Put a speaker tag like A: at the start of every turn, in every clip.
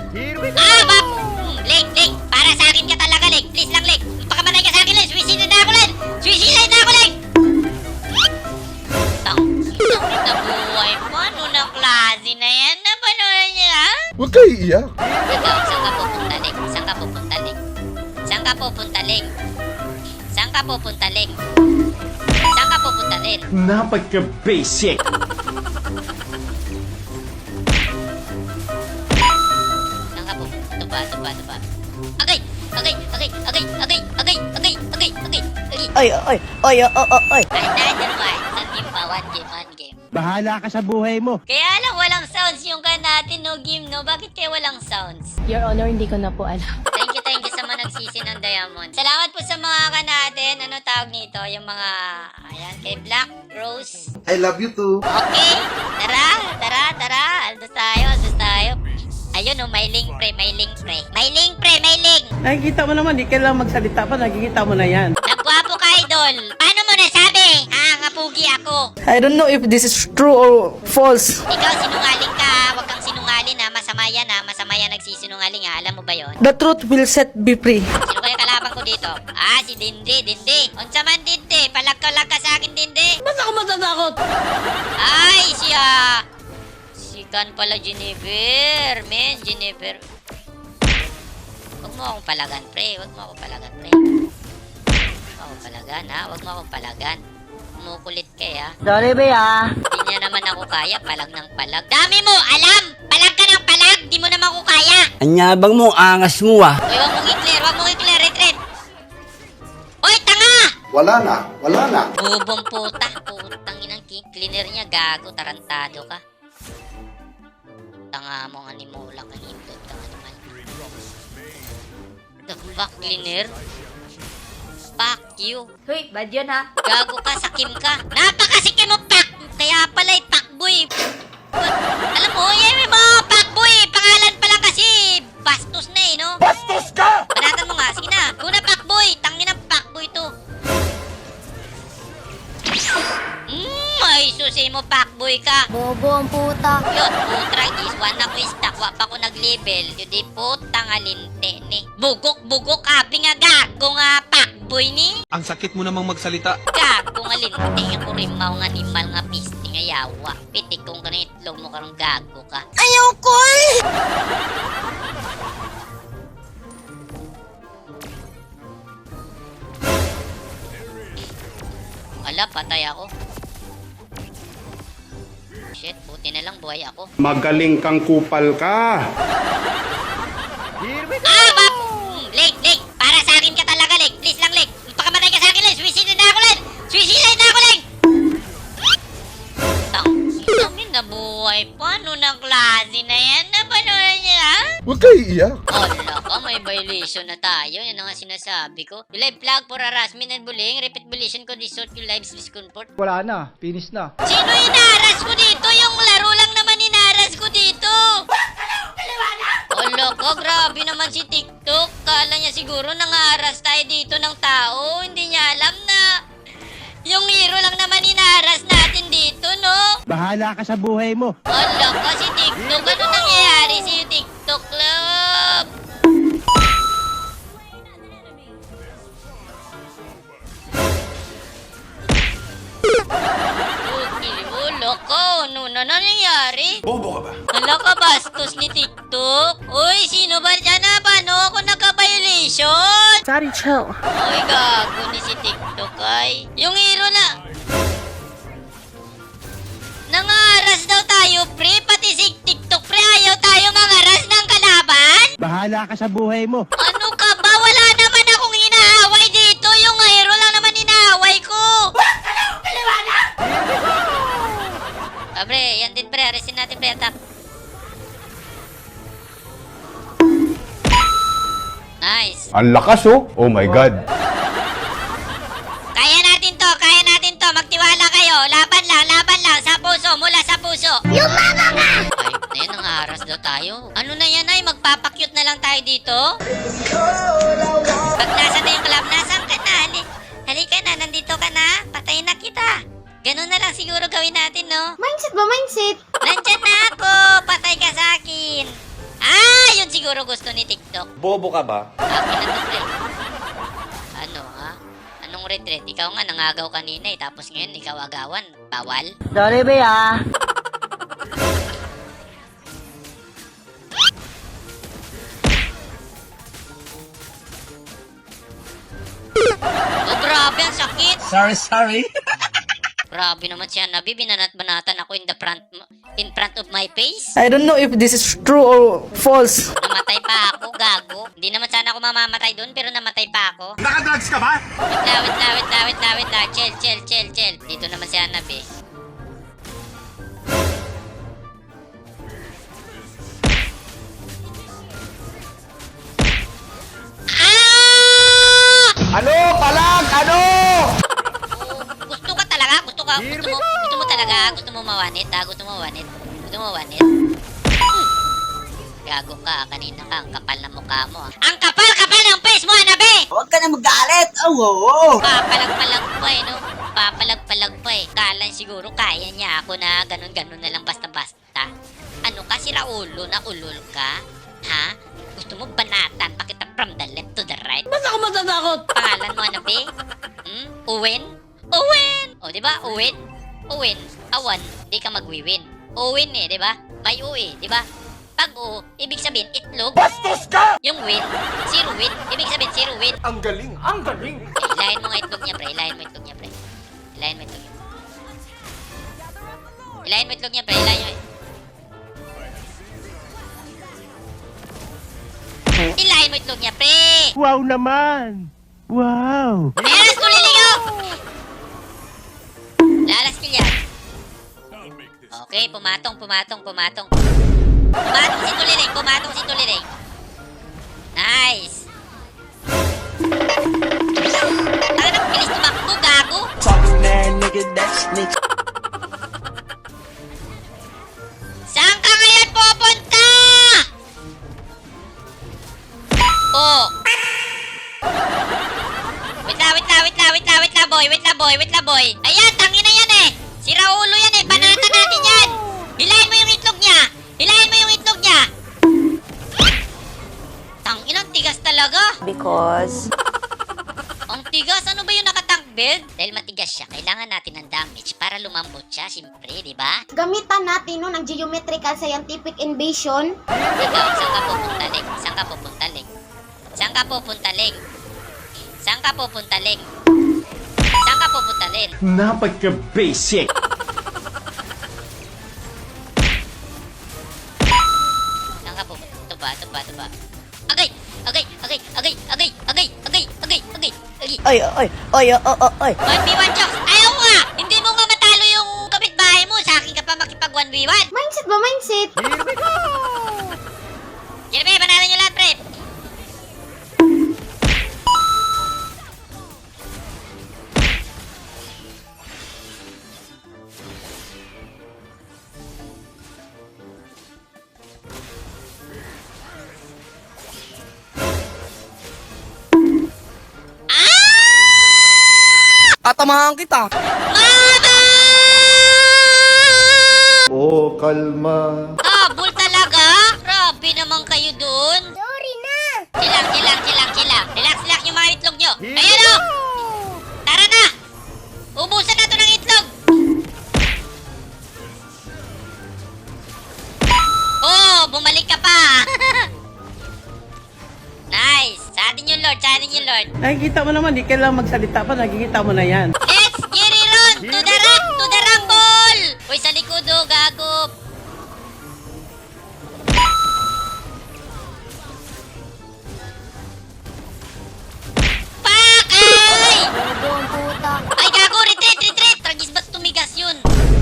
A: Leg, leg. Para sa akin ka talaga, leg. Please lang, leg. Pakamatay ka sa akin, leg. Suicide na ako, leg. Suicide na ako, leg. Tang na buhay. Paano na klase na yan? Napanood niya, ha?
B: Huwag kayo iiyak.
A: Ikaw, saan ka pupunta, leg? Saan ka pupunta, leg? Saan ka pupunta, leg? Saan ka pupunta, leg? Saan ka pupunta, leg?
C: Napaka-basic!
A: Saan ka pupunta? Tuba. Agay! Agay! Agay! Agay! Agay! Agay! Agay! Agay! Agay! Agay!
D: Oy.
A: Another one. Sa game pa. One game.
C: Bahala ka sa buhay mo!
A: Kaya lang walang sounds yung kan natin, no game, no? Bakit kaya walang sounds?
D: Your Honor, hindi ko na po alam.
A: Thank you sa mga nagsisi ng Diamond. Salamat po sa mga kan natin. Ano tawag nito? Yung mga, ayan, kay Black Rose.
B: I love you too.
A: Okay, tara. Aldos tayo. Ayun, oh, may link pre. May link.
E: Nakikita mo naman, di kailangan magsalita pa, nakikita mo na yan.
A: Nagwapo ka, idol. Paano mo nasabi? Ngapugi ako.
E: I don't know if this is true or false.
A: Ikaw, sinungaling ka. Huwag kang sinungaling, ha. Masama yan nagsisinungaling, ha. Alam mo ba yon?
E: The truth will set me free.
A: Sino kaya kalaban ko dito? Si Dindi. Unsa man Dindi? Palag ka sa akin, Dindi.
E: Ba't ako matatakot?
A: Ay, si Kan pala, Jennifer. Jennifer. Huwag mo akong palagan, pre. Huwag mo akong palagan. Kumukulit ka, ha?
D: Sorry, be,
A: Hindi niya naman ako kaya. Palag ng palag. Dami mo! Alam! Palag ka ng palag! Di mo naman ako kaya!
C: Anyabang mo, angas mo ah!
A: Uy, wag mong i-clear. Retreat! Oy, tanga!
B: Wala na.
A: Bubong puta. Putang inang cleaner niya. Gago, tarantado ka. Tanga mo, animula ka nito. Tanga naman. The fuck, cleaner? Fuck you.
D: Hoy, bad yun, ha?
A: Gago ka, sakim ka. Napakasikim mo, pak! Kaya pala'y pakboy. Alam mo, may mga pakboy. Pangalan pa lang kasi. Bastos na no?
C: Bastos ka!
A: Banatan mo nga. Sige na. Kuna pakboy. Tangin ang pakboy to. Ay, susi mo, pakboy ka.
D: Bobo ang puta.
A: Yun, putra is one ako istak. Wa pa ko nag-level. Yun di putang alinte ni. Bugok, abi nga gago nga pakboy ni.
F: Ang sakit mo namang magsalita.
A: Gago nga linti. Ako rin mga animal nga pisti nga yawa. Pitik kong ka na itlog mo karong gago ka.
D: Ayaw ko eh!
A: Ala, patay ako. Shit, buti na lang buhay ako.
C: Magaling kang kupal ka!
A: Leg! Para sa akin ka talaga, leg. Please lang, leg. Pakamatay ka sa akin, leg. Suicide na ako, leg. Tangin na buhay. Paano ng klase na yan? Napanood niya, ha?
B: Huwag kayo iiyak.
A: Ala ka, may violation na tayo. Yan ang nga sinasabi ko. You live flag for harassment and bullying. Repeat violation ko resort your lives discomfort.
G: Wala na, finish na.
A: Sino inaras ko dito? Yung laro lang naman inaras ko dito. Ala ka, grabe naman si TikTok. Kala niya siguro nangaras tayo dito ng tao. Hindi niya alam na yung hero lang naman inaras natin dito, no?
C: Bahala ka sa buhay mo!
A: Ala ka, si TikTok. Ano nangyayari si TikTok, love? Ulo ko. Ano na nangyayari?
C: Bobo ka ba?
A: Ala ka, bastos ni TikTok. Uy, sino ba dyan na? Paano ako nagka-violation?
E: Sorry, chill.
A: Uy, gago ni si TikTok ay. Yung hero na... Nangaras daw tayo, pre. Pati si TikTok, pre. Ayaw tayo mangaras ng kalaban?
C: Bahala ka sa buhay mo!
A: Ano ka ba? Wala naman akong inaaway dito. Yung hero lang naman inaaway ko. Pre, yan din, pre. Aresin natin, pre. Attack. Nice.
C: Ang lakas oh! Oh my God!
A: Kaya natin to. Magtiwala kayo. Laban lang. Sa puso. Mula sa puso. Yung mama nga! Ay, ayun, nangaras daw tayo. Ano na yan, ay? Magpapakyut na lang tayo dito? Pag nasa na yung club, nasan ka na? Halika na, nandito ka na. Patayin na kita. Ganun na lang siguro gawin natin, no?
D: Mindset ba, mindset?
A: Nandyan na ako! Patay ka sa akin! Yun siguro siguro gusto ni TikTok.
C: Bobo ka ba?
A: Akin na to, pre. Ano, ha? Anong retreat? Ikaw nga nangagaw kanina eh. Tapos ngayon, ikaw agawan. Bawal?
E: Sorry, be, ah.
A: Oh, grabe, ang sakit.
C: Sorry.
A: Grabe naman siya, Nabi. Binanat-banatan ako in front of my face.
E: I don't know if this is true or false.
A: Namatay pa ako, gago. Hindi naman sana ako mamamatay doon, pero namatay pa ako.
C: Nakadrugs ka ba?
A: Wait lang. Chill. Dito naman si Nabi. Ah!
C: Ano? Palag! Ano?
A: Gusto ka talaga? Gusto mo talaga? Gusto mo mawanit, ha? Gusto mo mawanit? Gago ka, kanina ka, ang kapal na mukha mo. Ang kapal ng face mo, Hanabi!
E: Huwag ka na magalit. Oo.
A: Papalag-palag pa eh, no? Papalag-palag pa eh. Kala siguro kaya niya ako na ganun-ganun na lang basta-basta. Ano ka, sira ulo na ulol ka? Ha? Gusto mo banatan pa kita from the left to the right?
E: Ba't ako matatakot?
A: Pangalan mo, Hanabi? Uwin? O, di ba? Uwin. Awan. Di ka magwiwin. Uwin eh, di ba? May U eh, di ba? Pag U, ibig sabihin itlog.
C: Bastos ka!
A: Yung win, zero win. Ibig sabihin zero win.
C: Ang galing!
A: Ilahin mo nga itlog niya, pre. Ilahin mo itlog niya, pre. Ilahin mo itlog niya, pre. Ilahin mo itlog niya, pre.
C: Wow naman! Wow!
A: Meron tuliligaw! Lalas kilyan. Okay, pumatong. Pumatong si Tuliring. Nice. Ano bilis tumakbo, gago? Saan ka ngayon pupunta? Oh. Wait la boy. Ayan, tangin na yan eh. Sira ulo yan eh. Banatan natin yan. Hilahin mo yung itlog niya. Tangin, ang tigas talaga.
D: Because...
A: Ang tigas, ano ba yung nakatank build? Dahil matigas siya, kailangan natin ng damage para lumambot siya, siyempre, di ba?
F: Gamitan natin nun ang geometrical scientific invasion.
A: Ikaw, saan ka pupunta, Leng?
C: Napagka-basic!
A: Saan ka pupunta? Ito ba? Agay!
E: Ay.
A: 1v1 jokes! Ayaw nga! Hindi mo nga matalo yung kapitbahay mo! Sa akin ka pa makipag 1v1!
F: Mindset ba? Mindset?
A: Yan ba, banatan nyo lahat, pre!
E: Tatamahan kita.
A: Mama!
B: Oh, kalma.
A: Tabol talaga? Grabe naman kayo dun.
F: Sorry na!
A: Chilang. Relax yung mga itlog nyo. Ayan o! Tara na! Ubusan na to ng itlog! Oh, bumalik ka pa! Nice! Sa atin yung Lord.
E: Nakikita mo naman, di kailangan magsalita pa, nakikita mo na yan.
A: Let's get it on! To the rumble! Uy, sa likod o, gago! Fuck! Ay!
F: Bobo ang puta.
A: Ay, gago! Retreat! Tragis ba't tumigas yun?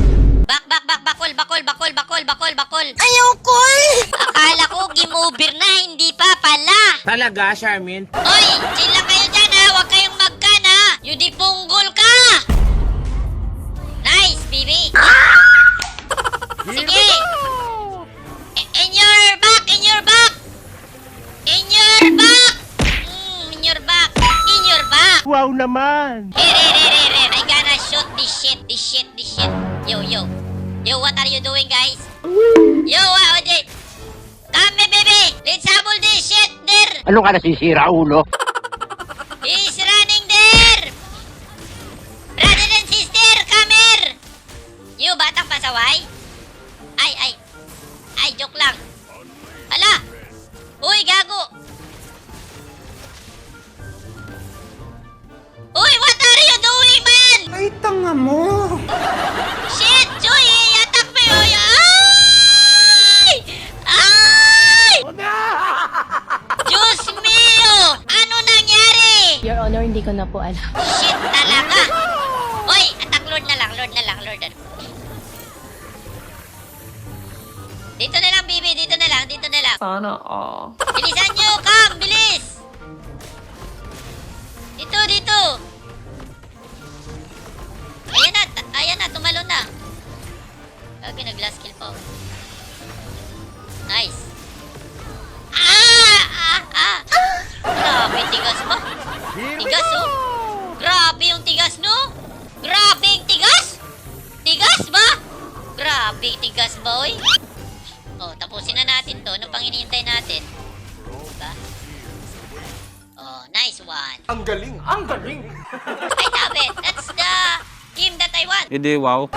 A: Bakol!
F: Ayoko eh!
A: Akala ko game over na, hindi pa pala!
C: Talaga, Charmin?
A: Oy! Chill lang kayo dyan ha! Huwag kayong magkan ha! Yudipunggol ka! Nice, baby! Sige! In your back!
C: Wow naman!
A: Here! I gonna shoot this shit! Yo, what are you doing, guys? Yo, what? Come, baby! Let's habol this!
C: Ano ka nasisira, ulo?
A: He's running there! Brother and sister, come here! You, batang pasaway? Ay, joke lang. Hala! Uy, gago! Uy, what are you doing, man?
B: Ay, tanga mo!
A: Shit, Joy! Attack me! Uy! Ay! Ay! Diyos mio! Ano nangyari?
D: Your Honor, hindi ko na po alam.
A: Shit talaga! Uy, attack Lord na lang. Dito na lang, baby. Dito na lang.
D: Sana all.
A: Bilisan nyo! Come! Bilis! Dito! Ayan na. Tumalo na. Gagi, nag-last kill pa. Nice. Grabe, tigas ba? Tigas, oh. Grabe yung tigas, no? Grabe yung tigas? Tigas ba? Grabe, tigas ba, oy? Oh, tapusin na natin to. Ano pang hinihintay natin? Diba? Oh, nice one.
B: Ang galing!
A: I love it. That's the game that I want.
C: Hindi, wow.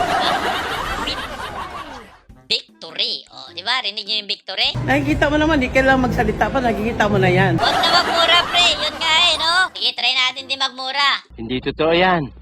A: Victory. Oh, di ba? Rinig nyo yung victory?
E: Nakikita mo naman, di kailangan magsalita pa, nakikita mo na yan.
A: Huwag na magmura, pre. Yun nga no? Sige, try natin di magmura.
C: Hindi totoo yan.